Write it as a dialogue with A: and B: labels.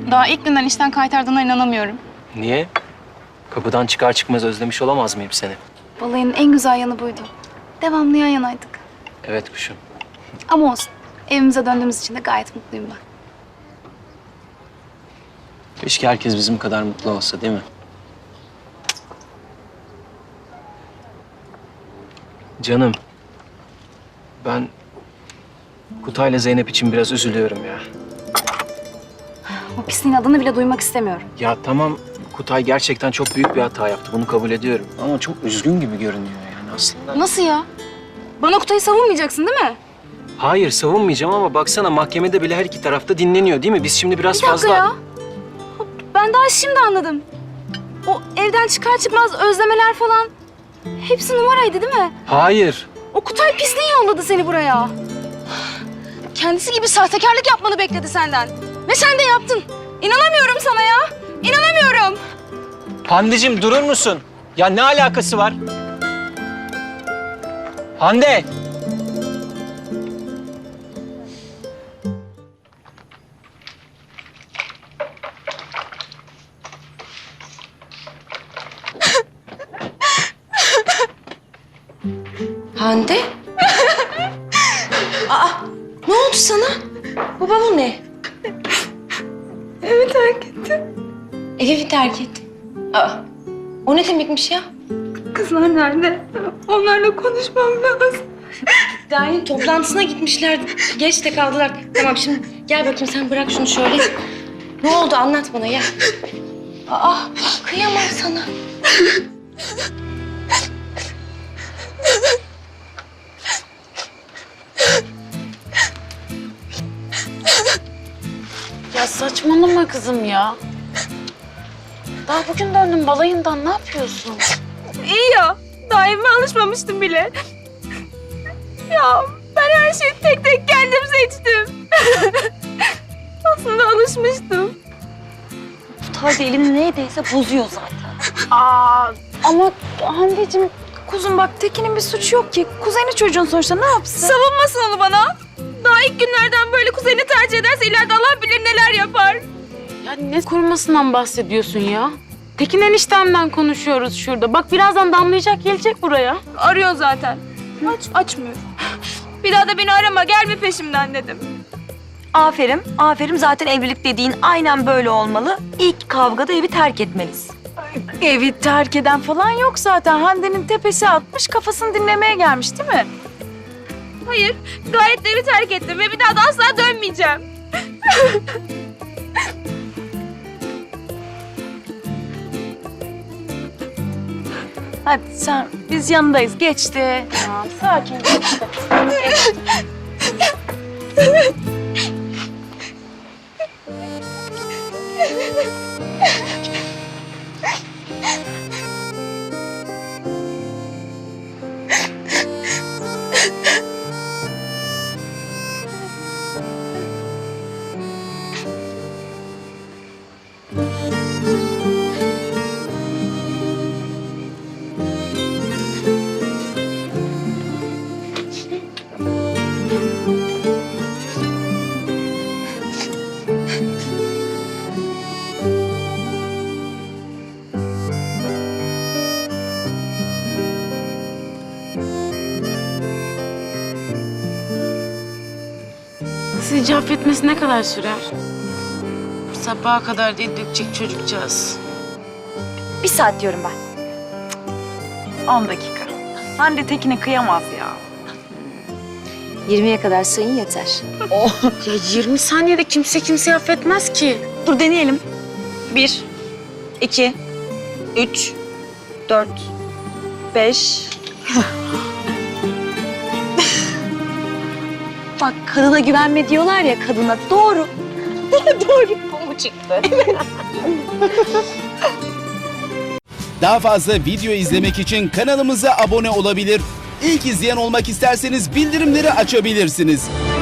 A: Daha ilk günden işten kaytardığına inanamıyorum.
B: Niye? Kapıdan çıkar çıkmaz özlemiş olamaz mıyım seni?
A: Balayının en güzel yanı buydu. Devamlı yan yanaydık.
B: Evet kuşum.
A: Ama olsun. Evimize döndüğümüz için de gayet mutluyum ben.
B: Keşke herkes bizim kadar mutlu olsa değil mi? Canım, ben Kutay'la Zeynep için biraz üzülüyorum ya.
A: O pisliğin adını bile duymak istemiyorum.
B: Ya tamam, Kutay gerçekten çok büyük bir hata yaptı. Bunu kabul ediyorum. Ama çok üzgün gibi görünüyor yani aslında.
A: Nasıl ya? Bana Kutay'ı savunmayacaksın değil mi?
B: Hayır, savunmayacağım ama baksana mahkemede bile her iki tarafta dinleniyor değil mi? Biz şimdi biraz
A: Bir dakika
B: fazla...
A: ya. Ben daha şimdi anladım. O evden çıkar çıkmaz özlemeler falan. Hepsi numaraydı değil mi?
B: Hayır.
A: O Kutay pisliği yolladı seni buraya. Kendisi gibi sahtekarlık yapmanı bekledi senden. Ve sen de yaptın. İnanamıyorum sana ya. İnanamıyorum.
B: Hande'cim durur musun? Ya ne alakası var? Hande!
C: Hande? Aa, ne oldu sana? Baba bu ne?
A: Evi terk etti.
C: Evi terk etti. Aa, o ne demekmiş ya?
A: Kızlar nerede? Onlarla konuşmam lazım.
C: Derneğin toplantısına gitmişler. Geç de kaldılar. Tamam şimdi gel bakayım sen bırak şunu şöyle. Ne oldu anlat bana ya. Aa, kıyamam sana.
D: Ya saçmalama kızım ya. Daha bugün döndüm balayından, ne yapıyorsun?
A: İyi ya. Daha evime alışmamıştım bile. Ya ben her şeyi tek tek kendim seçtim. Aslında alışmıştım.
C: Kutay elini neydeyse bozuyor zaten.
D: Aa, ama Hande'cim kuzum bak Tekin'in bir suçu yok ki. Kuzeni çocuğun sonuçta ne yapsın?
A: Savunmasın onu bana. Daha ilk günlerden böyle kuzeni tercih ederse ileride Allah bilir neler yapar.
D: Ya ne korumasından bahsediyorsun ya? Tekin eniştemden konuşuyoruz şurada. Bak birazdan damlayacak gelecek buraya.
A: Arıyor zaten. Açmıyor. Bir daha da beni arama, gelme peşimden dedim.
E: Aferin, aferin. Zaten evlilik dediğin aynen böyle olmalı. İlk kavgada evi terk etmelisin.
D: Evi terk eden falan yok zaten. Hande'nin tepesi atmış, kafasını dinlemeye gelmiş değil mi?
A: Hayır, gayet de evi terk ettim ve bir daha da asla dönmeyeceğim.
D: Hadi sen, biz yanındayız. Geçti. Tamam, sakin geçti. Sizce affetmesi ne kadar sürer? Sabaha kadar dil dökecek çocukcağız.
E: 1 saat diyorum ben.
D: 10 dakika. Hande Tekin'e kıyamaz ya.
C: 20'ye kadar sayın yeter.
D: Ya 20 saniyede kimse kimseyi affetmez ki.
E: Dur deneyelim. 1, 2, 3, 4, 5. Bak kadına güvenme diyorlar ya kadına. Doğru. Doğru. Bu çıktı.
F: Daha fazla video izlemek için kanalımıza abone olabilir. İlk izleyen olmak isterseniz bildirimleri açabilirsiniz.